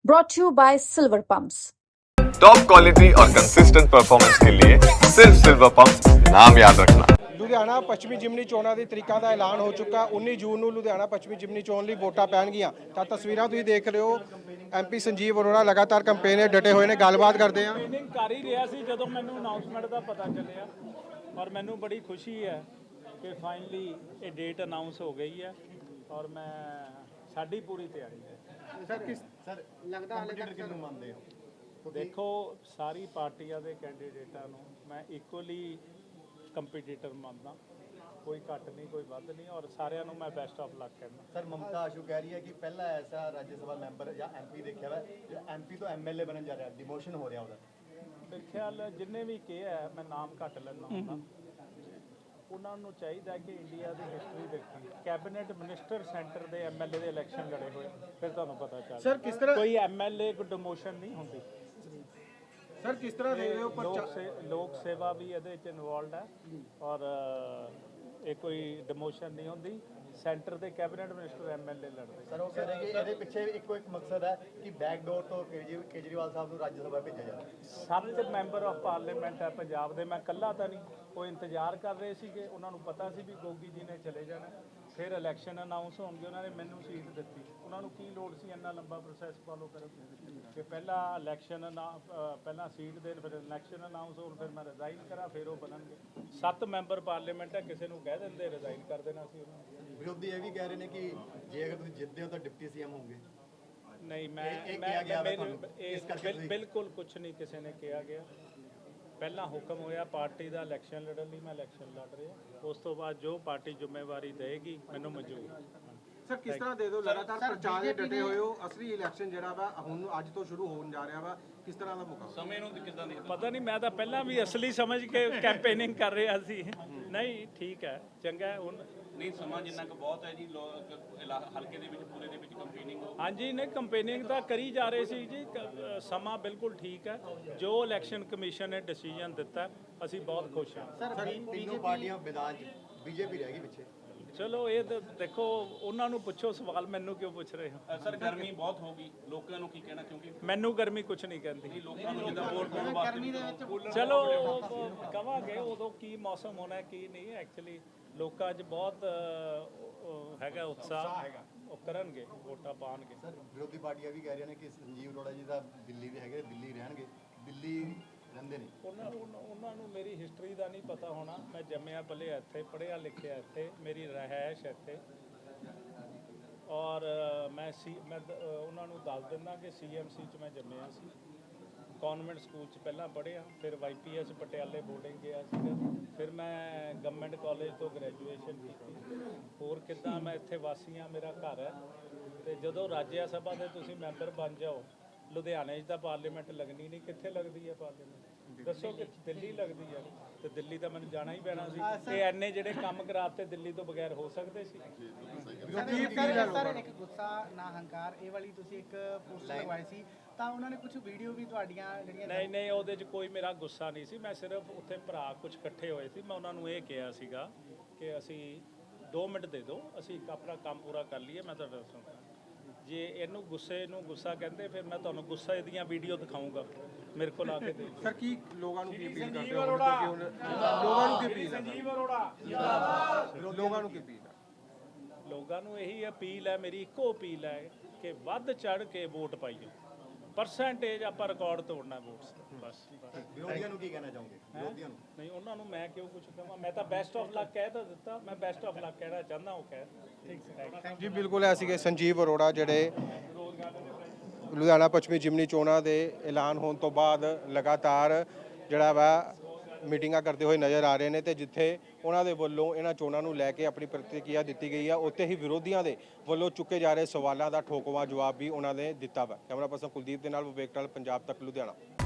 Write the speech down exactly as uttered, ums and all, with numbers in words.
brought to you by Silver Pumps. Top quality और consistent performance के लिए सिर्फ सिल्वर पंप नाम याद रखना। ਲੁਧਿਆਣਾ ਪੱਛਮੀ ਜ਼ਿਮਨੀ ਚੋਣਾਂ ਦੀ ਤਰੀਕਾਂ ਦਾ ਐਲਾਨ ਹੋ ਚੁੱਕਾ। ਉੱਨੀ ਜੂਨ ਨੂੰ ਲੁਧਿਆਣਾ ਪੱਛਮੀ ਜ਼ਿਮਨੀ ਚੋਣ ਲਈ ਵੋਟਾਂ ਪੈਣਗੀਆਂ। ਤਾਂ ਤਸਵੀਰਾਂ ਤੁਸੀਂ ਦੇਖ ਰਹੇ ਹੋ, ਐਮਪੀ ਸੰਜੀਵ ਅਰੋੜਾ ਲਗਾਤਾਰ ਕੰਪੇਨ 'ਤੇ ਡਟੇ ਹੋਏ ਨੇ। ਗੱਲਬਾਤ ਕਰਦੇ ਆ। ਕੰਪੇਨਿੰਗ ਕਰ ਹੀ ਰਿਹਾ ਸੀ ਜਦੋਂ ਮੈਨੂੰ ਅਨਾਉਂਸਮੈਂਟ ਦਾ ਪਤਾ ਚੱਲਿਆ, ਔਰ ਮੈਨੂੰ ਬੜੀ ਖੁਸ਼ੀ ਹੈ ਕਿ ਫਾਈਨਲੀ ਇਹ ਡੇਟ ਅਨਾਉਂਸ ਹੋ ਗਈ ਹੈ ਔਰ ਮੈਂ ਸਾਡੀ ਪੂਰੀ ਤਿਆਰੀ ਹੈ। ਸਰ ਕਿਸ ਸਰ ਲੱਗਦਾ ਹਾਲੇ ਤੱਕ ਕਿਹਨੂੰ ਮੰਨਦੇ ਹੋ? ਦੇਖੋ, ਸਾਰੀ ਪਾਰਟੀਆਂ ਦੇ ਕੈਂਡੀਡੇਟਾਂ ਨੂੰ ਮੈਂ ਇਕੁਅਲੀ ਕੰਪੀਟੀਟਰ ਮੰਨਦਾ, ਕੋਈ ਘੱਟ ਨਹੀਂ ਕੋਈ ਵੱਧ ਨਹੀਂ, ਔਰ ਸਾਰਿਆਂ ਨੂੰ ਮੈਂ ਬੈਸਟ ਆਫ ਲੱਕ ਕਹਿੰਦਾ। ਸਰ ਮਮਤਾ ਆਸ਼ੂ ਕਹਿ ਰਹੀ ਹੈ ਕਿ ਪਹਿਲਾ ਐਸਾ ਰਾਜ ਸਭਾ ਮੈਂਬਰ ਜਾਂ ਐਮਪੀ ਦੇਖਿਆ ਵਾ ਜੋ ਐਮਪੀ ਤੋਂ ਐਮਐਲਏ ਬਣਨ ਜਾ ਰਿਹਾ, ਡਿਮੋਸ਼ਨ ਹੋ ਰਿਹਾ ਉਹਦਾ। ਮੇਰੇ ਖਿਆਲ ਜਿੰਨੇ ਵੀ ਕਿਹਾ, ਮੈਂ ਨਾਮ ਘੱਟ ਲੈਂਦਾ ਹੁੰਦਾ, ਉਹਨਾਂ ਨੂੰ ਚਾਹੀਦਾ ਕਿ ਇੰਡੀਆ ਦੀ ਹਿਸਟਰੀ ਦੇਖੀ, ਕੈਬਨਿਟ ਮਿਨਿਸਟਰ ਸੈਂਟਰ ਦੇ ਐਮਐਲਏ ਦੇ ਇਲੈਕਸ਼ਨ ਲੜੇ ਹੋਏ, ਫਿਰ ਤੁਹਾਨੂੰ ਪਤਾ ਚੱਲ ਸਰ ਕਿਸ ਤਰ੍ਹਾਂ ਕੋਈ ਐਮਐਲਏ ਕੋਈ ਡਿਮੋਸ਼ਨ ਨਹੀਂ ਹੁੰਦੀ। ਸਰ ਕਿਸ ਤਰ੍ਹਾਂ ਦੇ ਰਹੇ ਹੋ? ਲੋਕ ਸੇ ਲੋਕ ਸੇਵਾ ਵੀ ਇਹਦੇ ਵਿੱਚ ਇਨਵੋਲਡ ਹੈ ਔਰ ਇਹ ਕੋਈ ਡਿਮੋਸ਼ਨ ਨਹੀਂ ਹੁੰਦੀ। ਸੈਂਟਰ ਦੇ ਕੈਬਨਿਟ ਮਿਨਿਸਟਰ ਐਮਐਲਏ ਲੜਦੇ। ਸਰ ਉਹ ਕਹਿ ਰਹੇ ਕਿ ਇਹਦੇ ਪਿੱਛੇ ਇੱਕੋ ਇੱਕ ਮਕਸਦ ਹੈ ਕਿ ਬੈਕਡੋਰ ਤੋਂ ਕੇਜਰੀ ਕੇਜਰੀਵਾਲ ਸਾਹਿਬ ਨੂੰ ਰਾਜ ਸਭਾ ਭੇਜਿਆ ਜਾਵੇ। ਸੱਤ ਮੈਂਬਰ ਆਫ ਪਾਰਲੀਮੈਂਟ ਹੈ ਪੰਜਾਬ ਦੇ, ਮੈਂ ਇਕੱਲਾ ਤਾਂ ਨਹੀਂ। ਉਹ ਇੰਤਜ਼ਾਰ ਕਰ ਰਹੇ ਸੀਗੇ, ਉਹਨਾਂ ਨੂੰ ਪਤਾ ਸੀ ਵੀ ਗੋਗੀ ਜੀ ਨੇ ਚਲੇ ਜਾਣਾ, ਫਿਰ ਇਲੈਕਸ਼ਨ ਅਨਾਉਂਸ ਹੋਣਗੇ, ਉਹਨਾਂ ਨੇ ਮੈਨੂੰ ਸੀਟ ਦਿੱਤੀ। ਉਹਨਾਂ ਨੂੰ ਕੀ ਲੋੜ ਸੀ ਇੰਨਾ ਲੰਬਾ ਪ੍ਰੋਸੈਸ ਫਾਲੋ ਕਰਨ ਕਿ ਪਹਿਲਾਂ ਇਲੈਕਸ਼ਨ ਪਹਿਲਾਂ ਸੀਟ ਦੇਣ, ਫਿਰ ਇਲੈਕਸ਼ਨ ਅਨਾਉਂਸ ਹੋਣ, ਫਿਰ ਮੈਂ ਰਿਜ਼ਾਈਨ ਕਰਾਂ, ਫਿਰ ਉਹ ਬਣਨਗੇ। ਸੱਤ ਮੈਂਬਰ ਪਾਰਲੀਮੈਂਟ ਹੈ, ਕਿਸੇ ਨੂੰ ਕਹਿ ਦਿੰਦੇ ਰਿਜ਼ਾਈਨ ਕਰ ਦੇਣਾ ਸੀ ਉਹਨਾਂ ਨੂੰ। ਵਿਰੋਧੀ ਇਹ ਵੀ ਕਹਿ ਰਹੇ ਨੇ ਕਿ ਜੇ ਅਗਰ ਤੁਸੀਂ ਜਿੱਤਦੇ ਹੋ ਤਾਂ ਡਿਪਟੀ ਸੀਐਮ ਹੋਗੇ। ਨਹੀਂ, ਮੈਂ ਇਹ- ਇਹ ਮੈਂ ਕਿਹਾ ਗਿਆ ਵਾ ਮੇਰੇ- ਤੁਹਾਨੂੰ, ਇਹ ਇਸ ਕਰਕੇ ਬਿਲ- ਤੁਸੀਂ- ਬਿਲਕੁਲ ਕੁਝ ਨਹੀਂ ਕਿਸੇ ਨੇ ਕਿਹਾ ਗਿਆ। ਪਹਿਲਾਂ ਹੁਕਮ ਹੋਇਆ ਪਾਰਟੀ ਦਾ ਇਲੈਕਸ਼ਨ ਲੜਨ ਲਈ, ਮੈਂ ਇਲੈਕਸ਼ਨ ਲੜ ਰਿਹਾ। ਉਸ ਤੋਂ ਬਾਅਦ ਜੋ ਪਾਰਟੀ ਜ਼ਿੰਮੇਵਾਰੀ ਦੇਗੀ ਮੈਨੂੰ ਮਨਜ਼ੂਰ। ਸਰ ਕਿਸ ਤਰ੍ਹਾਂ ਦੇ ਦਿਓ? ਲਗਾਤਾਰ ਪ੍ਰਚਾਰ 'ਤੇ ਡਟੇ ਹੋਏ ਹੋ। ਅਸਲੀ ਇਲੈਕਸ਼ਨ ਜਿਹੜਾ ਵਾ ਹੁਣ ਅੱਜ ਤੋਂ ਸ਼ੁਰੂ ਹੋਣ ਜਾ ਰਿਹਾ ਵਾ, ਕਿਸ ਤਰ੍ਹਾਂ ਦਾ ਮੁਕਾਬਲਾ? ਸਮੇਂ ਨੂੰ ਕਿੱਦਾਂ ਦੇਖਦੇ? ਪਤਾ ਨਹੀਂ, ਮੈਂ ਤਾਂ ਪਹਿਲਾਂ ਵੀ ਅਸਲੀ ਸਮਝ ਕੇ ਕੈਂਪੇਨਿੰਗ ਕਰ ਰਿਹਾ ਸੀ। ਨਹੀਂ, ਠੀਕ ਹੈ, ਚੰਗਾ ਹੈ। ਹੁਣ ਨਹੀਂ, ਸਮਾਂ ਜਿੰਨਾ ਕੁ ਬਹੁਤ ਹੈ ਜੀ, ਲੋਕ ਇਲਾ- ਹਲਕੇ ਦੇ ਵਿੱਚ ਪੂਰੇ ਦੇ ਵਿੱਚ ਕੰਪੇਨਿੰਗ ਹੋ। ਹਾਂਜੀ, ਨਹੀਂ ਕੰਪੇਨਿੰਗ ਤਾਂ ਕਰੀ ਜਾ ਰਹੇ ਸੀ ਜੀ। ਕ- ਸਮਾਂ ਬਿਲਕੁਲ ਠੀਕ ਹੈ। ਜੋ ਇਲੈਕਸ਼ਨ ਕਮਿਸ਼ਨ ਨੇ ਡਿਸੀਜਨ ਦਿੱਤਾ, ਅਸੀਂ ਬਹੁਤ ਖੁਸ਼ ਹਾਂ। ਸਰ ਤਿੰਨੋਂ ਪਾਰਟੀਆਂ ਮੈਦਾਨ 'ਚ, ਬੀਜੇਪੀ ਰਹਿ ਗਈ ਪਿੱਛੇ। ਚਲੋ ਇਹ ਤਾਂ ਦੇਖੋ, ਉਹਨਾਂ ਨੂੰ ਪੁੱਛੋ ਸਵਾਲ, ਮੈਨੂੰ ਕਿਉਂ ਪੁੱਛ ਰਹੇ ਹੋ? ਅ, ਸਰ ਗਰਮੀ ਬਹੁਤ ਹੋ ਗਈ, ਲੋਕਾਂ ਨੂੰ ਕੀ ਕਹਿਣਾ? ਕਿਉਂਕਿ ਮੈਨੂੰ ਗਰਮੀ ਕੁਝ ਨਹੀਂ ਕਹਿੰਦੀ। ਲੋਕਾਂ ਨੂੰ ਜਿੱਦਾਂ ਵੋਟ ਪਾਉਣ ਵਾਸਤੇ ਚਲੋ ਕਵਾਂਗੇ ਉਦੋਂ ਕੀ ਮੌਸਮ ਹੋਣਾ ਕੀ ਨਹੀਂ। ਐਕਚੁਅਲੀ ਲੋਕਾਂ 'ਚ ਬਹੁਤ ਅ, ਉਹ ਹੈਗਾ ਉਤਸ਼ਾਹ, ਉਹ ਕਰਨਗੇ, ਵੋਟਾਂ ਪਾਉਣਗੇ। ਸਰ ਵਿਰੋਧੀ ਪਾਰਟੀਆਂ ਵੀ ਕਹਿ ਰਹੀਆਂ ਨੇ ਕਿ ਸੰਜੀਵ ਅਰੋੜਾ ਜੀ ਦਾ ਦਿੱਲੀ ਦੇ ਹੈਗੇ, ਦਿੱਲੀ ਰਹਿਣਗੇ, ਦਿੱਲੀ ਰਹਿੰਦੇ ਨੇ। ਉਹਨਾਂ ਉਹਨਾਂ- ਉਹਨਾਂ ਨੂੰ ਮੇਰੀ ਹਿਸਟਰੀ ਦਾ ਨਹੀਂ ਪਤਾ ਹੋਣਾ। ਮੈਂ ਜੰਮਿਆ ਪਲਿਆ ਇੱਥੇ, ਪੜ੍ਹਿਆ ਲਿਖਿਆ ਇੱਥੇ, ਮੇਰੀ ਰਿਹਾਇਸ਼ ਇੱਥੇ, ਔਰ ਮੈਂ ਸੀ ਮੈਂ ਦ- ਉਹਨਾਂ ਨੂੰ ਦੱਸ ਦਿੰਦਾ ਕਿ ਸੀਐਮਸੀ 'ਚ ਮੈਂ ਜੰਮਿਆ ਸੀ, ਕਨਵੈਂਟ ਸਕੂਲ 'ਚ ਪਹਿਲਾਂ ਪੜ੍ਹਿਆ, ਫਿਰ ਵਾਈਪੀਐਸ ਪਟਿਆਲੇ ਬੋਰਡਿੰਗ ਗਿਆ ਸੀਗਾ, ਫਿਰ ਮੈਂ ਗਵਰਨਮੈਂਟ ਕਾਲਜ ਤੋਂ ਗ੍ਰੈਜੂਏਸ਼ਨ ਕੀਤੀ। ਹੋਰ ਕਿੱਦਾਂ ਮੈਂ ਇੱਥੇ ਵਾਸੀ ਹਾਂ, ਮੇਰਾ ਘਰ ਹੈ। ਤੇ ਜਦੋਂ ਰਾਜ ਸਭਾ ਦੇ ਤੁਸੀਂ ਮੈਂਬਰ ਬਣ ਜਾਓ, ਲੁਧਿਆਣੇ 'ਚ ਤਾਂ ਪਾਰਲੀਮੈਂਟ ਲੱਗਣੀ ਨਹੀਂ, ਕਿੱਥੇ ਲੱਗਦੀ ਹੈ ਪਾਰਲੀਮੈਂਟ? ਦੱਸੋ ਕਿ ਦਿੱਲੀ ਲੱਗਦੀ ਹੈ, ਤੇ ਦਿੱਲੀ ਤਾਂ ਮੈਨੂੰ ਜਾਣਾ ਹੀ ਪੈਣਾ ਸੀ। ਤੇ ਐਨੇ ਜਿਹੜੇ ਕੰਮ ਕਰਾਤੇ ਦਿੱਲੀ ਤੋਂ ਬਗੈਰ ਹੋ ਸਕਦੇ ਸੀ? ਸਰ ਇੱਕ ਗੁੱਸਾ ਨਾ ਹੰਕਾਰ, ਇਹ ਵਾਲੀ ਤੁਸੀਂ ਇੱਕ ਪੋਸਟ ਲਗਵਾਈ ਸੀ, ਤਾਂ ਉਹਨਾਂ ਨੇ ਕੁਝ ਵੀਡੀਓ ਵੀ ਤੁਹਾਡੀਆਂ ਜਿਹੜੀਆਂ ਨਹੀਂ ਨਹੀਂ, ਉਹਦੇ 'ਚ ਕੋਈ ਮੇਰਾ ਗੁੱਸਾ ਨਹੀਂ ਸੀ। ਮੈਂ ਸਿਰਫ ਉੱਥੇ ਭਰਾ ਕੁਝ ਇਕੱਠੇ ਹੋਏ ਸੀ, ਮੈਂ ਉਹਨਾਂ ਨੂੰ ਇਹ ਕਿਹਾ ਸੀਗਾ ਕਿ ਅਸੀਂ ਦੋ ਮਿੰਟ ਦੇ ਦਿਓ, ਅਸੀਂ ਆਪਣਾ ਕੰਮ ਪੂਰਾ ਕਰ ਲਈਏ, ਮੈਂ ਤੁਹਾਡਾ ਦੱਸੂੰਗਾ। ਜੇ ਇਹਨੂੰ ਗੁੱਸੇ ਨੂੰ ਗੁੱਸਾ ਕਹਿੰਦੇ, ਫਿਰ ਮੈਂ ਤੁਹਾਨੂੰ ਗੁੱਸੇ ਦੀਆਂ ਵੀਡੀਓ ਦਿਖਾਊਂਗਾ, ਮੇਰੇ ਕੋਲ ਆ ਕੇ ਦੇਖੋ। ਸਰ ਕੀ ਲੋਕਾਂ ਨੂੰ ਕੀ ਅਪੀਲ ਕਰਦੇ ਹੋ? ਲੋਕਾਂ ਨੂੰ ਕੀ ਅਪੀਲ ਹੈ? ਸੰਜੀਵ ਅਰੋੜਾ ਲੋਕਾਂ ਨੂੰ ਕੀ ਅਪੀਲ ਹੈ? ਲੋਕਾਂ ਨੂੰ ਇਹੀ ਅਪੀਲ ਹੈ, ਮੇਰੀ ਇੱਕੋ ਅਪੀਲ ਹੈ ਕਿ ਵੱਧ ਚੜ ਕੇ ਵੋਟ ਪਾਈਓ। ਪਰਸੈਂਟੇਜ ਆਪਾਂ ਰਿਕਾਰਡ ਤੋੜਨਾ ਵੋਟਸ, ਬਸ। ਵਿਰੋਧੀਆਂ ਨੂੰ ਕੀ ਕਹਿਣਾ ਚਾਹੋਗੇ? ਵਿਰੋਧੀਆਂ ਨੂੰ ਨਹੀਂ, ਉਹਨਾਂ ਨੂੰ ਮੈਂ ਕਿਉਂ ਕੁਝ ਕਹਾਂ? ਮੈਂ ਤਾਂ ਬੈਸਟ ਆਫ ਲੱਕ ਕਹਿ ਤਾਂ ਦਿੱਤਾ, ਮੈਂ ਬੈਸਟ ਆਫ ਲੱਕ ਕਹਿਣਾ ਚਾਹੁੰਦਾ, ਉਹ ਕਹਿ। ਠੀਕ ਜੀ ਬਿਲਕੁਲ ਐ ਸੀਗੇ ਸੰਜੀਵ ਅਰੋੜਾ, ਜਿਹੜੇ ਲੁਧਿਆਣਾ ਪੱਛਮੀ ਜ਼ਿਮਨੀ ਚੋਣਾਂ ਦੇ ਐਲਾਨ ਹੋਣ ਤੋਂ ਬਾਅਦ ਲਗਾਤਾਰ ਜਿਹੜਾ ਵਾ ਮੀਟਿੰਗਾਂ ਕਰਦੇ ਹੋਏ ਨਜ਼ਰ ਆ ਰਹੇ ਨੇ। ਤੇ ਜਿੱਥੇ ਉਹਨਾਂ ਦੇ ਵੱਲੋਂ ਇਹਨਾਂ ਚੋਣਾਂ ਨੂੰ ਲੈ ਕੇ ਆਪਣੀ ਪ੍ਰਤੀਕਿਰਿਆ ਦਿੱਤੀ ਗਈ ਆ, ਉੱਥੇ ਹੀ ਵਿਰੋਧੀਆਂ ਦੇ ਵੱਲੋਂ ਚੁੱਕੇ ਜਾ ਰਹੇ ਸਵਾਲਾਂ ਦਾ ਠੋਕਵਾਂ ਜਵਾਬ ਵੀ ਉਹਨਾਂ ਨੇ ਦਿੱਤਾ ਵਾ। ਕੈਮਰਾ ਪਰਸਨ ਕੁਲਦੀਪ ਦੇ ਨਾਲ ਵਿਵੇਕ ਟਾਲ, ਪੰਜਾਬ ਤੱਕ, ਲੁਧਿਆਣਾ।